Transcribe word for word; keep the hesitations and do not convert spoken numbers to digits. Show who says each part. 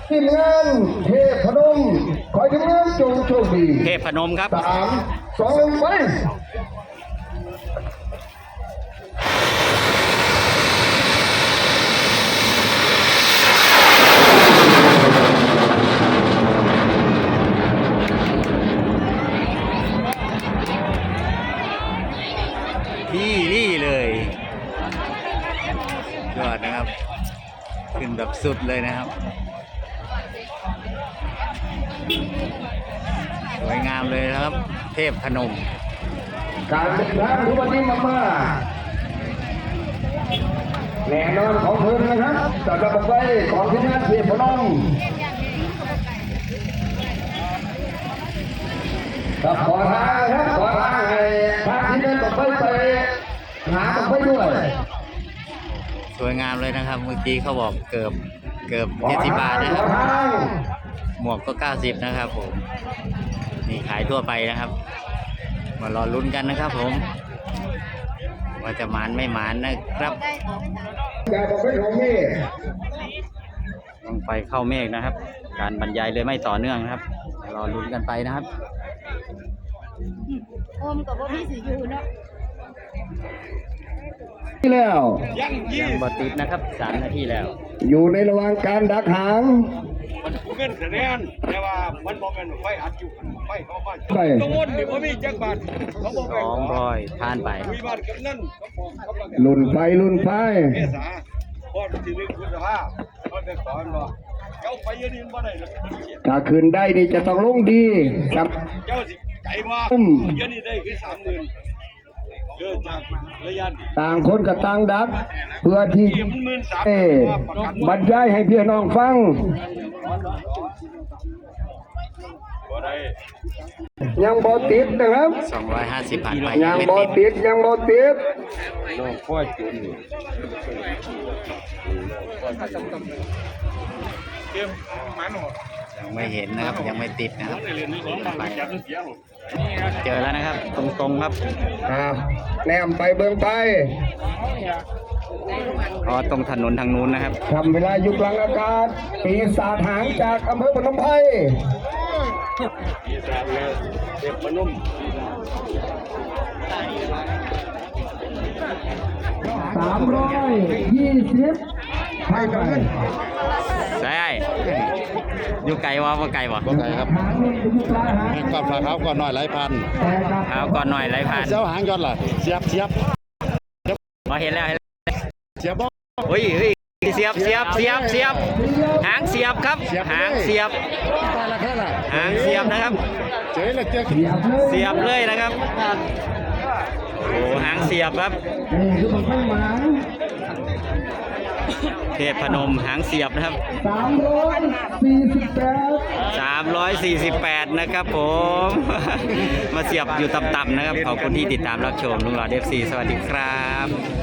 Speaker 1: ทีมงานเทพนมขอทีมงานจงโชคดี
Speaker 2: เทพนมครับ
Speaker 1: สามสองหนึ่งไป
Speaker 2: นี่นี่เลยยอดนะครับขึ้นแบบสุดเลยนะครับสวยงามเลยนะครับ เทพพนม
Speaker 1: การเดินทางทุกวันนี้มากๆแน่นอนของเพิ่นนะครับจะกลับไปของทีมงานเทพนมครับขอทางครับขอทางให้ทางที่เดินต่อไปไปหาต่อไปด้วย
Speaker 2: สวยงามเลยนะครับเมื่อกี้เขาบอกเกือบเกือบเจ็ดสิบบาทนะครับหมวกก็เก้าสิบนะครับผมนี่ขายทั่วไปนะครับมารอลุ้นกันนะครับผมว่าจะหมานไม่หมานนะครับต้องไปเข้าเมฆนะครับการบรรยายเลยไม่ต่อเนื่องนะครับรอลุ้นกันไปนะครับ
Speaker 3: โอมกับว่าพี่สิอยู่เนาะ
Speaker 1: ที่แล้ว
Speaker 2: ยังบติดนะครับสามนาทีแล้ว
Speaker 1: อยู่ในระหว่างการดักหาง
Speaker 4: มันเงินคะแนนแต่ว่ามันบอกเป็นไฟอัดอยู่ไฟเขาบ้านต้องวนดิว่ามีจักบาทเขาบอก
Speaker 2: สองร้อยผ่านไป
Speaker 4: คุยบ้านกันนั่นเขาบอก
Speaker 1: ลุ่นไฟลุ่นไฟ
Speaker 4: เมษาพอที่นึกคุณภาพเขาจะสอนว่าเจ้าไปยืนบ่ได้หรอก
Speaker 1: ถ้าคืนได้นี่จะต้องลงดีครับ
Speaker 4: เจ้าสิใจว่ายืนนี่ได้คือสามหมื่นเกิดจากระยะ
Speaker 1: ต่างคนกับต่างดักเพื่อที่เอ๊บรรยายให้พี่น้องฟังยังบอติดนะครับ
Speaker 2: สองร้อยห้าสิบผ่านไป
Speaker 1: ยังบอติดยังบอติด
Speaker 4: น้องพ่อจุน
Speaker 2: ยังไม่เห็นนะครับยังไม่ติดนะครับเจอแล้วนะครับตรงๆครับ
Speaker 1: ครับแนมไปเบื้องไป
Speaker 2: อ๋อตรงถนนทางนู้นนะครับ
Speaker 1: ทำเวลาอยู่กลางอากาศปีศาจหางจากอำเภอพนมไพร
Speaker 4: ปีศาจเลยเทพนม
Speaker 1: สามร้อยยี่สิบไปกัน
Speaker 2: ใช่อยู่ไกลวะว่าไกลวะ
Speaker 5: ก็ไกลครับก่อนฝาเท้าก่อนหน่อยไหลพัน
Speaker 2: เท้าก่อนหน่อยไหลพัน
Speaker 5: เจ้าหางยอดล่ะเสียบเสียบ
Speaker 2: มาเห็นแล้ว
Speaker 5: เสียบ
Speaker 2: เฮ้ยเฮ้ยเสียบเสียบเสียบเสียบหางเสียบครับหางเสียบหางเสียบนะครับ
Speaker 5: เจ๊เลยเจ๊
Speaker 2: เสียบเลยนะครับโอ้หางเสียบครับเทพพนมหางเสียบนะครับ
Speaker 1: สามร้อยสี่สิบแปด
Speaker 2: สามร้อยสี่สิบแปดนะครับผมมาเสียบอยู่ต่ำๆนะครับขอบคุณที่ติดตามรับชมลุงหล่อเอฟซีสวัสดีครับ